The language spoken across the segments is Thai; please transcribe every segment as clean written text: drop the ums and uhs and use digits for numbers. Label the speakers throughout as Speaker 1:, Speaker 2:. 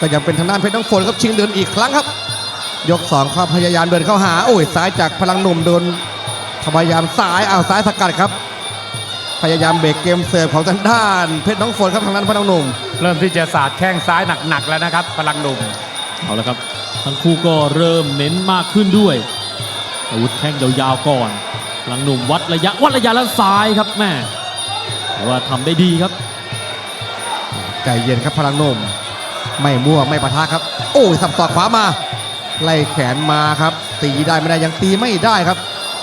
Speaker 1: ก็ยังเป็นทางด้านเพชรน้องฝนครับชิงเดินอีกครั้งครับยก2ครับพยายามเดินเข้าหาโอ้ยซ้ายจากพลังหนุ่มโดนพยายามซ้ายซ้ายสกัดครับพยายามเบรกเกมเสิร์ฟของทางด้านเพชรน้องฝนครับทางด้านพลังหนุ่ม
Speaker 2: เริ่มที่จะสาดแข้งซ้ายหนักๆแล้วนะครับพลังหนุ่ม
Speaker 3: เอาละครับทั้งคู่ก็เริ่มเน้นมากขึ้นด้วยอาวุธแข้งยาวๆก่อนพลังหนุ่มวัดระยะแล้วซ้ายครับแม่ว่าทำได้ดีครับ
Speaker 1: ใจเย็นครับพลังหนุ่มไม่มั่วไม่ปะทะครับโอ้ยสับศอกขวามาไล่แขนมาครับตีได้ไม่ได้ยังตีไม่ได้ครับ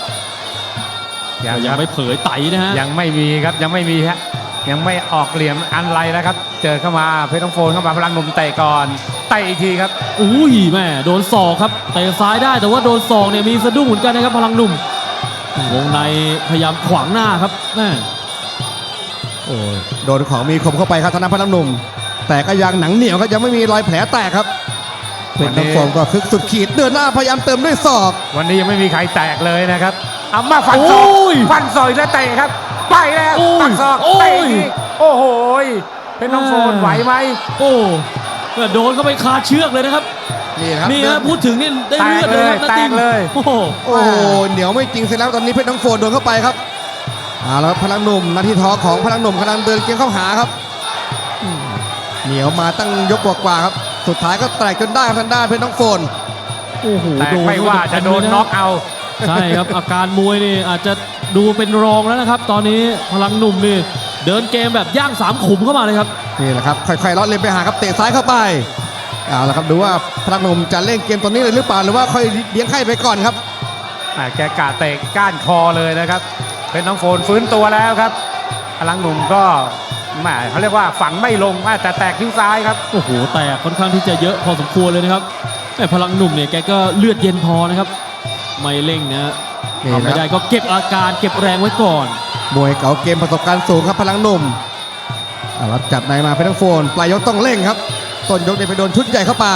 Speaker 3: ยังไม่เผยไตนะฮะ
Speaker 2: ยังไม่มีครับยังไม่มีฮะยังไม่ออกเหลี่ยมอันไรแล้วครับเจอเข้ามาเพชรน้องโฟนเข้ามาพลังหนุ่มเตะก่อนเตะอีกทีครับ
Speaker 3: อุ้ยแม่โดนศอกครับเตะซ้ายได้แต่ว่าโดนศอกเนี่ยมีสะดุ้งเหมือนกันนะครับพลังหนุ่มวงในพยายามขวางหน้าครับแม่
Speaker 1: โอ้ยโดนของมีคมเข้าไปครับทางด้านพลังหนุ่มแต่ก็ยังหนังเหนียวครับยังไม่มีรอยแผลแตกครับเป็นน้องโฟมก็คึกสุดขีดเดินหน้าพยายามเติมด้วยศอก
Speaker 2: วันนี้ยังไม่มีใครแตกเลยนะครับเอามาฟันศอกแล้วเตะครับไปแล้วฟันศอกเตะโอ้โหเป็นน้องโฟนไหวไหม
Speaker 3: โอ้โดนเข้าไปคาเชือกเลยนะครับนี่ครับพูดถึงนี่ได้เลือดเลยครับ
Speaker 2: แตกเลย
Speaker 1: โอ้โหเหนียวไม่จริงเสร็จแล้วตอนนี้เพชรน้องโฟนโดนเข้าไปครับแล้วพลังหนุ่มนาทีทองของพลังหนุ่มกำลังเดินเกมเข้าหาครับเหนียวมาตั้งยกกว่าครับสุดท้ายก็แตกจนได้ทางด้านเพชรน้องโฟน
Speaker 3: โอ้โห
Speaker 2: ไม่ว่าจะโดนน็อกเอา
Speaker 3: ใช่ครับอาการมวยนี่อาจจะดูเป็นรองแล้วนะครับตอนนี้พลังหนุ่มนี่เดินเกมแบบย่าง3ขุมเข้ามาเลยครับ
Speaker 1: นี่แหละครับค่อยๆเลาะเล่นไปหาครับเตะซ้ายเข้าไปเอาละครับดูว่าพลังหนุ่มจะเล่นเกมตอนนี้เลยหรือเปล่าหรือว่าค่อยเลี้ยงไข้ไปก่อนครับ
Speaker 2: แกกะเตะก้านคอเลยนะครับเป็นน้องโฟนฟื้นตัวแล้วครับพลังหนุ่มก็เขาเรียกว่าฝังไม่ลงแต่แตกทิ้งซ้ายครับ
Speaker 3: โอ้โหแตกค่อนข้างที่จะเยอะพอสมควรเลยนะครับแต่พลังหนุ่มเนี่ยแกก็เลือดเย็นพอนะครับไม่เร่งนะทำไม่ได้ก็เก็บอาการเก็บแรงไว้ก่อน
Speaker 1: มวยเก่าเกมประสบการณ์สูงครับพลังหนุ่มรับจับในมาเพชรน้องโฟนปลายยกต้องเร่งครับต้นยกเนี่ยไปโดนชุดใหญ่เข้าไป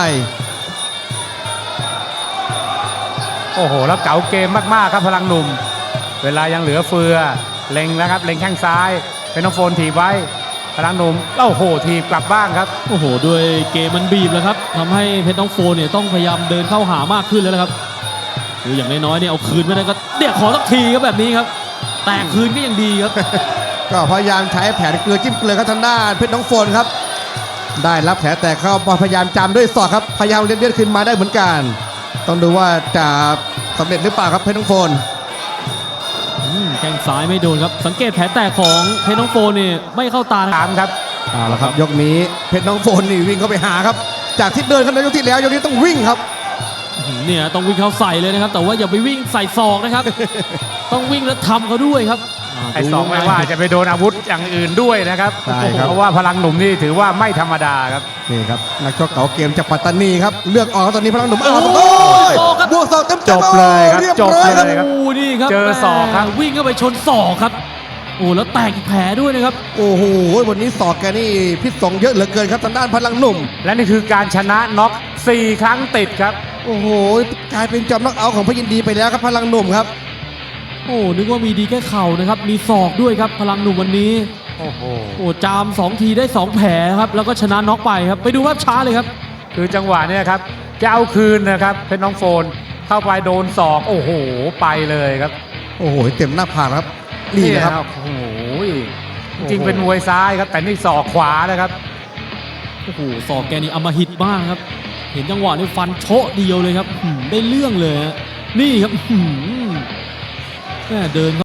Speaker 2: โอ้โหแล้วเก่าเกมมากๆครับพลังหนุ่มเวลายังเหลือเฟือเล็งแล้วครับเล็งแข้งซ้ายเพชรน้องโฟนถีบไว้พลังหนุ่มโอ้โหถีบกลับบ้างครับ
Speaker 3: โอ้โหด้วยเกมมันบีบแล้วครับทำให้เพชรน้องโฟนเนี่ยต้องพยายามเดินเข้าหามากขึ้นแล้วนะครับคืออย่างน้อยๆเนี่ยเอาคืนไม่ได้ก็เดี๋ยวขอสักทีครับแบบนี้ครับแต่คืนก็ยังดีครับ
Speaker 1: ก็พยายามใช้แผนเกลือจิ้มเกลือครับทางด้านเพชรน้องโฟนครับได้รับแผลแตกเข้าพยายามจามด้วยศอกครับพยายามเลือดขึ้นมาได้เหมือนกันต้องดูว่าจะสำเร็จหรือเปล่าครับเพชรน้องโฟน
Speaker 3: แข้งซ้ายไม่โดนครับสังเกตแผลแตกของเพชรน้องโฟนนี่ไม่เข้าตา
Speaker 2: ครับ
Speaker 1: เอาละครับยกนี้เพชรน้องโฟนนี่วิ่งเข้าไปหาครับจากที่เดินกันในยกที่แล้วยกนี้ต้องวิ่งครับ
Speaker 3: เนี่ยต้องวิ่งเข้าใส่เลยนะครับแต่ว่าอย่าไปวิ่งใส่ศอกนะครับต้องวิ่งแล้วทำเขาด้วยครับ
Speaker 2: ไอ้ศอกไม่ว่าจะไปโดนอาวุธอย่างอื่นด้วยนะครับเพราะว่าพลังหนุ่มนี่ถือว่าไม่ธรรมดาครับ
Speaker 1: นี่ครับนักชกเก่าเกมจากปัตตานีครับเลือกออกตอนนี้พลังหนุ่มบวกศอกเต็ม
Speaker 2: จบเลยครับจบเลยครับ
Speaker 3: นี่ครับ
Speaker 2: เจอศอกครับ
Speaker 3: วิ่งเข้าไปชนศอกครับโอ้แล้วแตกแผลด้วยนะครับ
Speaker 1: โอ้โหวันนี้ศอกแกนี่พิษสงเยอะเหลือเกินครับทางด้านพลังหนุ่ม
Speaker 2: และนี่คือการชนะน็อก4 ครั้งติดครับ
Speaker 1: โอ้โหกลายเป็นจอมน็อกเอาท์ของพยินดีไปแล้วครับพลังหนุ่มครับ
Speaker 3: โอ้นึกว่ามีดีแค่เข่านะครับมีศอกด้วยครับพลังหนุ่มวันนี้
Speaker 2: โอ้โห
Speaker 3: จาม2 ทีได้2 แผลครับแล้วก็ชนะน็อกไปครับไปดูภาพช้าเลยครับ
Speaker 2: คือจังหวะนี้ครับจะเอาคืนนะครับเพชรน้องโฟนเข้าไปโดนศอกโอ้โหไปเลยครับ
Speaker 1: โอ้โหเต็มหน้าผากครับนี่นะครับ
Speaker 2: โอ้โหจริงเป็นมวยซ้ายครับแต่นี่ศอกขวานะครับ
Speaker 3: โอ้โหศอกแกนี่อำมหิตมากครับเห็นจังหวะนี้ฟันโชะเดียวเลยครับได้เรื่องเลยนี่ครับเดิน